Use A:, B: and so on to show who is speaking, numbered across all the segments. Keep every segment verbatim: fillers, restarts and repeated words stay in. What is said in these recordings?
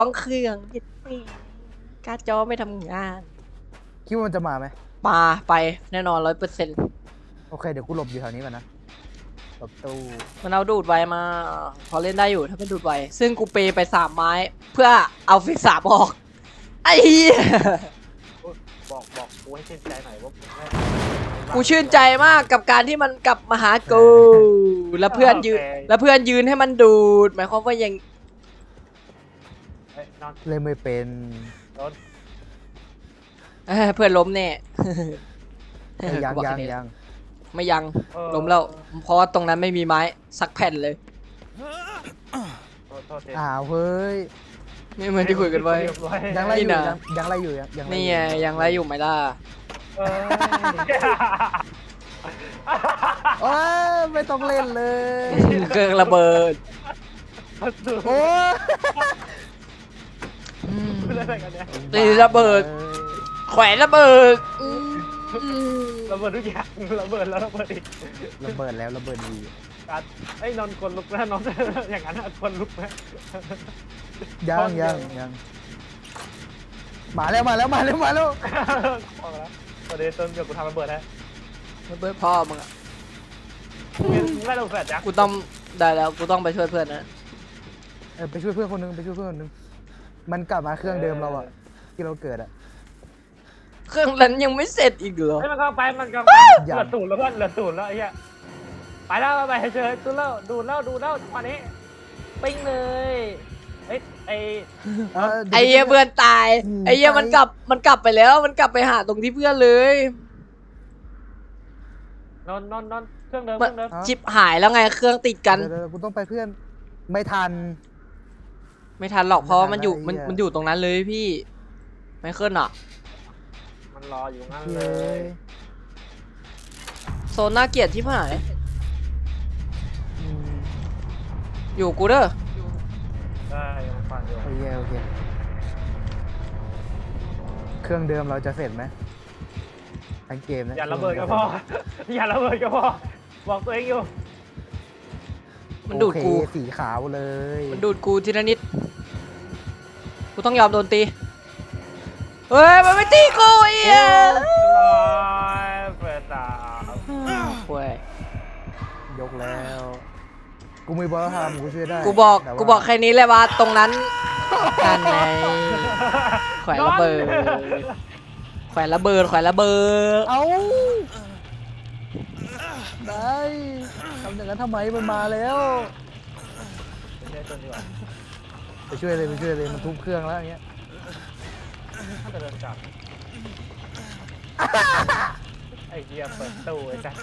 A: ต้องเครื่องยึดนี่การ์ดจอไม่ทำงาน
B: คิดว่ามันจะมาไหม
A: มาไปแน่นอนร้อยเปอร์เซ็นต์
B: โอเคเดี๋ยวกูหลบอยู่แถวนี้ก่อนนะหลบตู้
A: มันเอาดูดไวมา พอเล่นได้อยู่ถ้าเป็นดูดไวซึ่งกูเปย์ไปสามไม้ เพื่อเอาฟิกสามออกไอ้เหี้ย
C: บอกบอกกูให้ชื่นใจหน่อยว่า
A: กูชื่นใจมากกับการที่มันกลับมาหากูแล้วเพื่อนยืนแล้วเพื่อนยืนให้มันดูดหมายความว่ายัง
C: เอ้ยนอน
B: เล่นไม่เป็น
C: นอน
A: เอ้ยเพื่อนล้มแน่
B: เอ้ยยัง
A: กูบอก
B: ยัง
A: แค่นี้
B: ยัง
A: ไม่ยัง
C: เออ
A: ล้มแล้วเพราะว่าตรงนั้นไม่มีไม้สักแผ่นเลย
C: โทษโทษที
B: อ้าวเฮ้ย
A: ไม่เหมือนที่คุยกันไว้
C: เรีบร้อ
B: ยังไรอยู่
A: นี่นะ
B: ยังยังไรอยู่ยังยังไร
A: นี่
B: อ
A: ไง
B: ยู่
A: ยังไรอยู่ไหมล่ะ
C: เอ้ย
B: โอ้ยไม่ต้องเล่นเลย
A: เครื่องระเบิด
B: โอ้ย
C: เล่นอะไรกันเนี่ย
A: ตีระเบิด แขวนระเบิดอืม
C: ระเบิดทุกอย่างระเบิดแล้วระเบิดอีก
B: ระเบิดแล้วระเบิดดี
C: การไอ้ยนอนคนลุกนะนอนอย่างนั้นอะคนลุกนะ
B: ยังยังยังมาแล้วมาแล้วมาแล้วมาแล้ว
C: ออกแล้วประเดี๋ยวต้นเดี๋ยวกูทำระเบิดให้
A: ระเบิดพ่อมึงอะ
C: มึงไม่ต้องแฟดจ้ะ
A: กูต้องได้แล้วกูต้องไปช่วยเพื่อนนะ
B: เออไปช่วยเพื่อนคนนึงไปช่วยเพื่อนคนนึงมันกลับมาเครื่องเดิมเราอะที่เราเกิดอะ
A: เครื่องนั้นยังไม่เสร็จอีกเหรอ
C: ไอ้ยมันก็ไปมันก็เหลือตูดแล้วเพื่อนเหลือตูดแล้วไอ้เหี้ยไปแล้วไปเฉยตูดแล้วดูดแล้วดูดแล้วจังหวะนี้ปิ้งเลยเอ้ยไอ้
B: เดี๋ยว
A: ไอ้เหี้ยเพื่อนตาย
B: อืม
A: ไอ้เหี้ยมันกลับมันกลับไปแล้วมันกลับไปหาตรงที่เพื่อนเลย
C: นอนนอนนอนเครื่องเดิมเค
A: มัน
C: รื่องเดิม
A: ชิปหายแล้วไงเครื่องติดกัน
B: เดี๋ยวเดี๋ยวกูต้องไปเพื่อนไม่ทัน
A: ไม่ทันหรอกเพราะว่ามันอยู่
B: ไม่
A: มัน
B: ทันแล้ว
A: มันอยู่ตรงนั้นเลยพี่ไม่เคลื่อนอ่ะ
C: มันรออยู่งั้น
B: เล
C: เลย
B: ย
A: โซนน่าเกลียดที่หาย
B: อืม
A: อยู่กูเด้อ
C: ได้ยังฟังอยู่
B: โอเคโอเคเครื่องเดิมเราจะเสร็จไหมทั้งเกมนะ
C: อย่าระเบิดก็พออย่าระเบิดก็พอบอกตัวเองอยู่
A: มันดูดกู
B: โอเคสีขาวเลย
A: มันดูดกูทีละนิดกูต้องยอมโดนตีเฮ้ยมันไม่ตีกูไอ้เหี้ย
C: ร้อยเปิดตา
A: โว้ย
B: ยกแล้ว กูมีบอลทำกูช่วยได้
A: กูบอก
B: แต่ว่า
A: กูบอกแค่นี้เลยว่าตรงนั้นกันไงแขวนระเบิดแขวนระเบิดแขวนระเบิด
B: เอาได้ทำอย่างนั้นทำไมมันมาแล้ว
C: ไม่ใช่ตัวนี้หว่า
B: ไปช่วยเลยไปช่วยเลยมันทุบเครื่องแล้วอย่างเงี้ย
C: ถ้าจะเดินกลับไอ้เหี้ยเปิดตู้ไอ้จ้ะ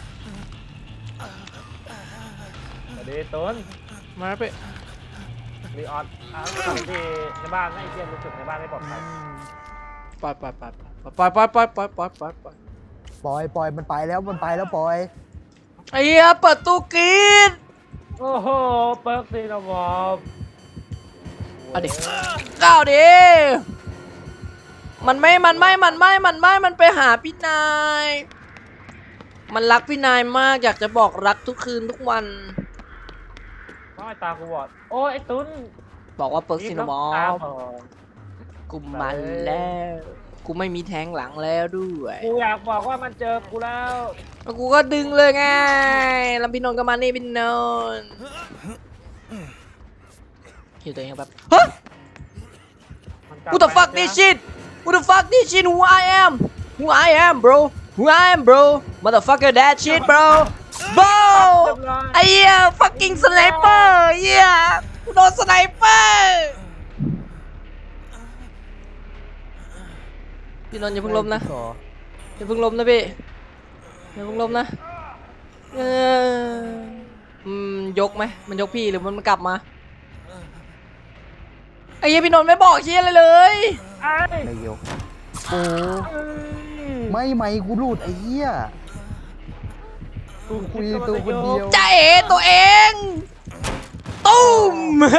C: สวัสดีต้น
A: มาไป
C: รีออนอ่ะที่ในบ้านไอ้เหี้ยรู้สึกในบ้านไม่ปลอดภัย
A: ปล่อยปล่อยปล่อยปล่อยปล่อยปล่อยปล่อยปล่อยปล่อยปล่อย
B: ปล่อยปล่อยมันไปแล้วมันไปแล้วปล่อย
A: ไอ้เหี้ยเปิดตู้กรีด
C: โอ้โหเปิร์กซีนบอบ
A: เอาดิก้าวดิมันไม่มันไม่มันไม่มันไม่มันไปหาพี่นายมันรักพี่นายมากอยากจะบอกรักทุกคืนทุกวัน
C: น้องไอ้ตากูบอดโอ้ยไอ้ตุ้น
A: บอกว่าเปิร์กซินามอ
C: ตา
A: ฟ
C: บอด
A: กูมันแล้วกูไม่มีแทงหลังแล้วด้วย
C: กูอยากบอกว่ามันเจอกูแล้ว
A: แล้วกูก็ดึงเลยไงแล้วพี่นนท์ก็มานี่พี่นนท์คิวตัวเองแบบฮะ
C: มันกลับ
A: Who the fuck
C: ไป
A: this shit Who the fuck this shit Who I am Who I am bro Who I am bro Motherfucker that shit bro bro ไอ้เหี้ย fucking sniper เหี้ยกูโดนสไนเปอร์พี่นนท์อย่าเพิ่งล้มนะ
B: ต่อ
A: อย่าเพิ่งล้มนะพี่อย่าเพิ่งล้มนะเอออืมยกไหมมันยกพี่หรือมันกลับมาไอ้เหี้ยพี่นนท์ไม่บอกเหี้ยอะไรเลย
C: ไอ้
B: ไม่ยกโอ้ไม่ไม่กูรูดไอ้เหี้ย
C: กู
B: คุยตัวคนเดียว
A: ใจเอ๋ตัวเองตุ้ม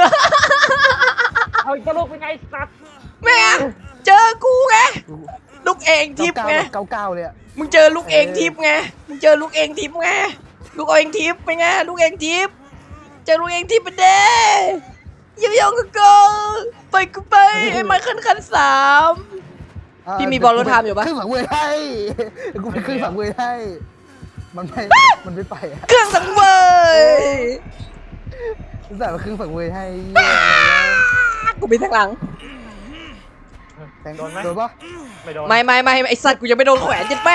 C: เอาจะลูกเป็นไงสัตว์
A: แม่งเจอกูไงลูกเองทิพย์ไง
B: เก้าเก้าเลยอะ
A: มึงเจอลูกเองทิพย์ไงมึงเจอลูกเองทิพย์ไงลูกเองทิพย์ไปไงลูกเองทิพย์เจอลูกเองทิพย์ไปเด้อย่าไปยุ่งกับกูไปกูไปไอ้ไมเคิลคันสาม
B: อ่า
A: พี่มีบอลรถไทม์อยู่ปะ
B: ครึ่งสังเวยให้กูเป็นครึ่งสังเวยให้มันไม่มันไม่ไปอะ
A: เครื่องสังเวย
B: ใส่มาครึ่งสังเวยให้
A: กูมีทางหลัง
B: แทง
C: โดนไหม
B: โดนปะ
C: ไม่โดน
A: ไม่ไม่ไม่ไอสัตว์กูยังไม่โดนแขวนจิตแม่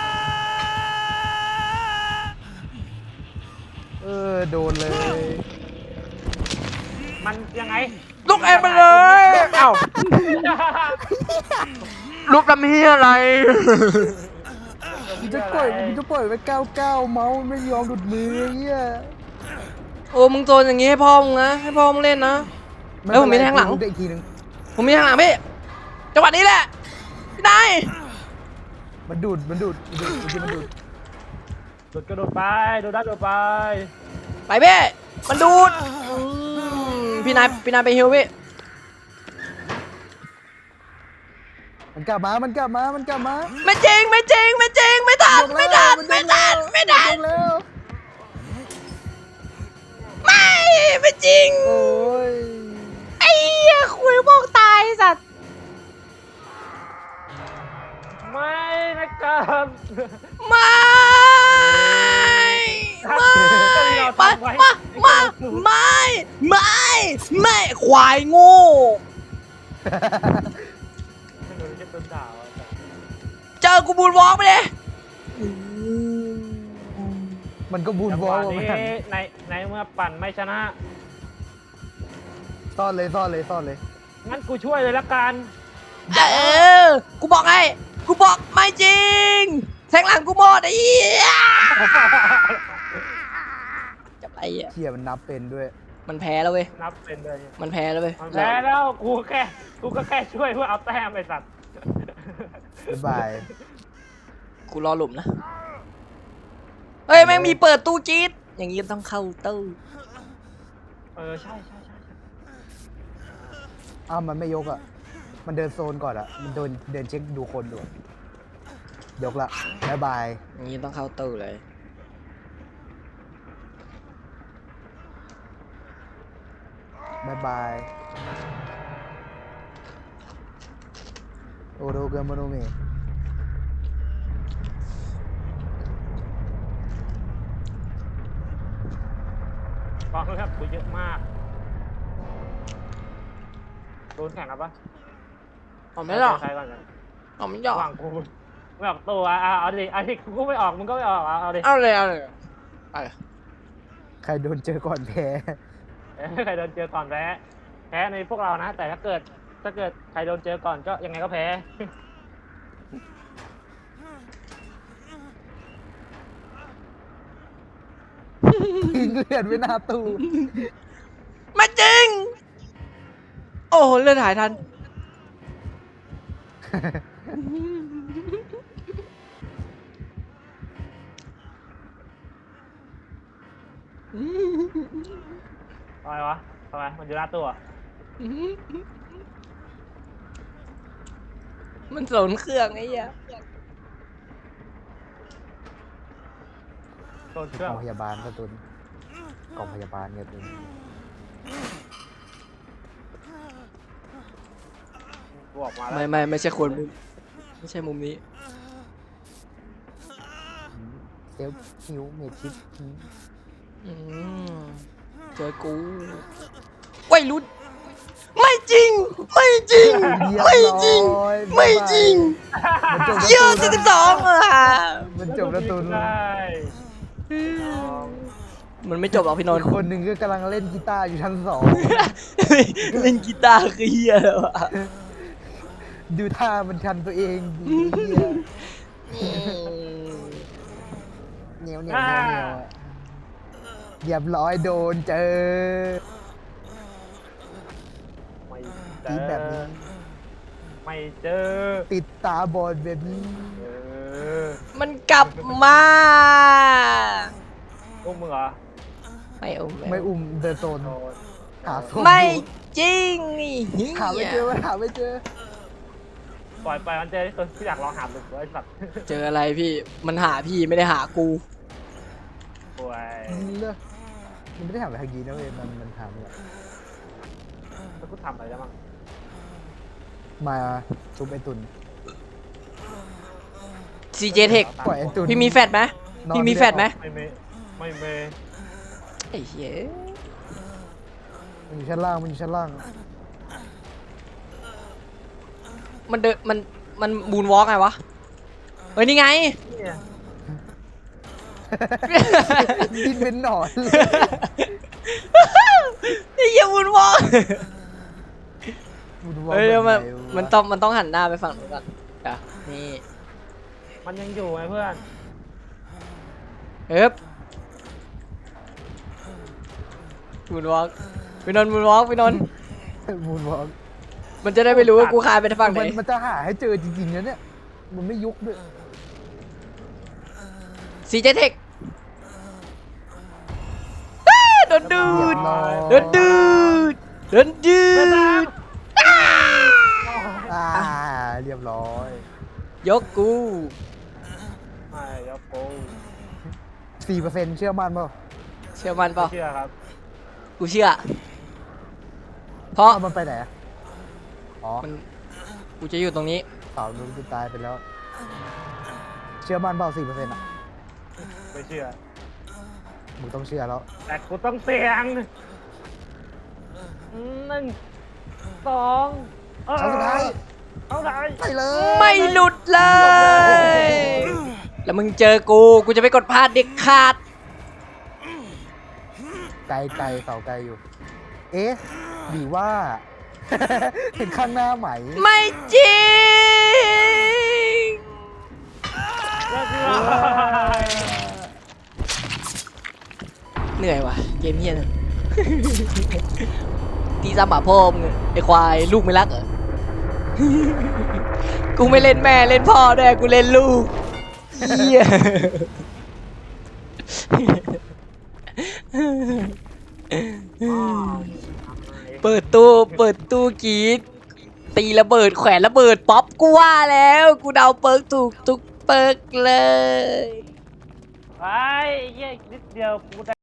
B: เออโดนเลย
C: มันยังไง
A: ลุกแอนไปเลยเอ้าลุกทำเฮียอะไร
B: มึงจะปล่อยมึงจะปล่อยไปเก้าเก้าเมาส์ไม่ยอมหลุดมือไอ้เหี้ย
A: โอ้มึงโจนอย่างงี้ให้พ่อมึงนะให้พ่อมึงเล่นนะ เอ้ยผมมีแทงหลัง
B: ได้อีกทีนึง
A: ผมมีทางหลังพี่จังหวะนี้แหละพี่นาย
B: มันดูดมันดูดมันดูดจริงๆมันดูด
C: โดดกระโดดไปโดดได้โดดไป
A: ไปพี่มันดูดอืมพี่นายพี่นายไปฮิวพี่
B: มันกลับมามันกลับมามันกลับมา
A: ไม่จริงไม่จริงไม่จริงไม่ทันไม่ทันไม่ทันไม่ทัน
B: มันแล้ว
A: ไม่ไม่จริง
B: โอ้ย
A: ไอ้เหี้ยคุยบอกตายสัตว์
C: ไม่นะครับ
A: ไม่ไม่มามามาไม่ไม่ไม่ควายโง่
C: โดนเจ็บต้นดาวอะ
A: เจอกูบูนวอล์กไปเลย
B: มันก็บูน
C: จัง
B: บ
C: ห
B: อ
C: วะ
B: ล
C: นี้
B: มัน
C: ในในเมื่อปั่นไม่ชนะ
B: ซ่อนเลยซ่อนเลยซ่อนเลย
C: งั้นกูช่วยเลยละกัน
A: เออกูบอกไงกูบอกไม่จริงแทงหลังกูหมดไอ้เหี้ยจะไปอ่ะ
B: เขี่ยมันนับเป็นด้วย
A: มันแพ้แล้วเว้ย
C: นับเป็นเลย
A: มันแพ้แล้วเว้ย
C: มันแพ้แล้วกูแค่กูก็แค่ช่วยเพื่อเอาแต้มไอ้สัตว์
B: บ๊ายบาย
A: กูรอหลุมนะเฮ้ยแม่งมีเปิดตู้จี๊ดอย่างงี้ต้องเข้าตู้
C: เออใช่ใช่ใช่ใช่
B: อ้าวมันไม่ยกอ่ะ มันเดินโซนก่อนอ่ะ มันเดินเดินเช็คดูคนดูอะยกละบ๊ายบาย
A: อย่างงี้ต้องเข้าตู้เลย
B: บ๊ายบายโอโรเกมโมโนเมะ
C: กองครับกูเยอะมากโดนแข่งครับปะ
A: เอาไม่หรอก
C: ใครก่อนนะ
A: เอาไม่หรอก
C: ระหว่างกูไม่ออกตัวอ่ะเอาดิเอาดิกูไม่ออกมึงก็ไม่ออกอ่ะเอาดิ
A: เอาเลยเอาเลยไป
B: ใครโดนเจอก่อนแพ้
C: เอ้ยใครโดนเจอก่อนแพ้แพ้ในพวกเรานะ แต่ถ้าเกิดถ้าเกิดใครโดนเจอก่อนก็ยังไงก็แพ้
B: ทิ้งเลือดไว้หน้าตู้
A: ไม่จริง โอ้โหเลือดหายทัน
C: ทำไมวะทำไมมันอยู่หน้าตัว
A: มันสนเครื่องไอ้เหี้ย
C: โดนเค
B: ก
C: รื่อ
B: อง งพยาบาลกระตุนกองพยาบาลเนี่ยตุน
C: กูออกมาแล้ว
A: ไม่ไม่ไม่ใช่คนมุมไม่ใช่มุมนี้
B: เซลฟิวเมทิส
A: อืมเจอกูไว้รุ่นไม่จริง ไม่จริง ไม่จริง ไม่จริง
B: มันจบ
A: เยอะเจ็ดสิบสองอ่ะ
B: มันจบแล้วตุน
C: ได้
A: มันไม่จบหรอกพี่นน
B: อี
A: ท์
B: กคนหนึ่งก็กำลังเล่นกีตาร์อยู่ชั้นสอง
A: เล่นกีตาร์คือเฮียเลยวะ
B: ดูท่ามันชันตัวเองดีเหี้ย
A: อืม
B: เหนียวเหนียวเหนียวเหนียวอะเรียบร้อยโดนเจอ
C: ไม่เจ
B: ตี
C: อ
B: แบบนี้
C: ไม่เจอ
B: ติดตาบอดแบบนี้
C: เออ
A: มันกลับมา
C: พวกมึงเหรอ
A: ไม่อุ้ม
B: ไม่อุ้มเดินโซน
C: โดน
B: หาศพ
A: ไม่
B: อยู่
A: จริงนี่เฮี
B: หาไม่เจอย หาไม่เจอ
C: ปล่อยไปมันเจอที่ตัวที่อยากลองหาหมึกไว้สัตว์
A: เจออะไรพี่มันหาพี่ไม่ได้หากู
C: ป่วย
B: ยิงเลยมันไม่ได้ถามไปทางยีนะเว้ยมันมันถามแบบ
C: กูทำอะไรได้บ้าง
B: มาซุปไอตุน
A: ซีเจเทค
B: ปล่อยไอตุน
A: พี่มีแฟดไหม
B: นอน
A: พี่มีแฟดไหม
C: ไม่เมไม่เม
A: ไอ้เหี้ย
B: มันอยู่ชั้นล่างมันอยู่ชั้นล่าง
A: มันเดินมันมันบูนวอล์กไงวะเฮ้ยนี่ไง
C: เนี่ย
B: ดิ้นเป็นหนอนเลย
A: ไอ้เหี้ยบูนวอล์ก
B: มึงดูว่า
A: เฮ้ยเดี๋ยวมัน
B: แบบไหวะ
A: มันต้องมันต้องหันหน้าไปฝั่งนู้นก่อนอ่ะนี่
C: มันยังอยู่ไหมเพื่อน
A: เอ๊บบูนวอล์กพี่นนท์บูนวอล์กพี่นนท์
B: มูนวอล์ก
A: มันจะได้ไม่รู้ว่ากูคายไปฝั่งไหน
B: มันมันจะหาให้เจอจริงๆนะเนี่ย มันไม่ยุกด้วย
A: ซีเจเทคโดนดูดโดนดูดโดนดูด
B: อ่าเรียบร้อย
A: ยกกู
C: ไม่ยกโป้
B: สี่เปอร์เซ็นต์เชื่อมั่นเปล่า
A: เชื่อมันเปล่า
C: เชื่อครับ
A: กูเชื่อ เพราะ
B: เอามันไปไหนอะอ๋อ
A: มันกูจะอยู่ตรงนี้
B: สาวดูจะตายไปแล้ว เชื่อมั่นเปล่าสี่เปอร์เซ็นต์อะ
C: ไม่เชื่อ
B: มึงต้องเชื่อแล้ว
C: แต่กูต้องเสี่ยงหนึ่งสองเออ
B: ครั้งสุดท้าย
C: เอาไหน
B: ไปเลย
A: ไม่หลุดเลย แล้วมึงเจอกู กูจะไปกดพลาดเด็กขาด
B: ไกลไกลเสาไกลอยู่ เอ๊ะหรือว่า เห็นข้างหน้าไหม
A: ไม่จริง
C: เรียบร้อย
A: เหนื่อยว่ะ เกมเฮียนน ตีซ้ำหมาพ่อมึงอะไอควายลูกไม่รักเหรอ กูไม่เล่นแม่เล่นพ่อด้วยกูเล่นลูกเฮีย
C: อ้าว
A: เปิดตู้เปิดตู้กรีดตีระเบิดแขวนระเบิดป๊อปกูว่าแล้ว กูเดาเปิร์กถูกทุกเปิร์กเลย
C: ไอ้เหี้ยนิดเดียวกูได้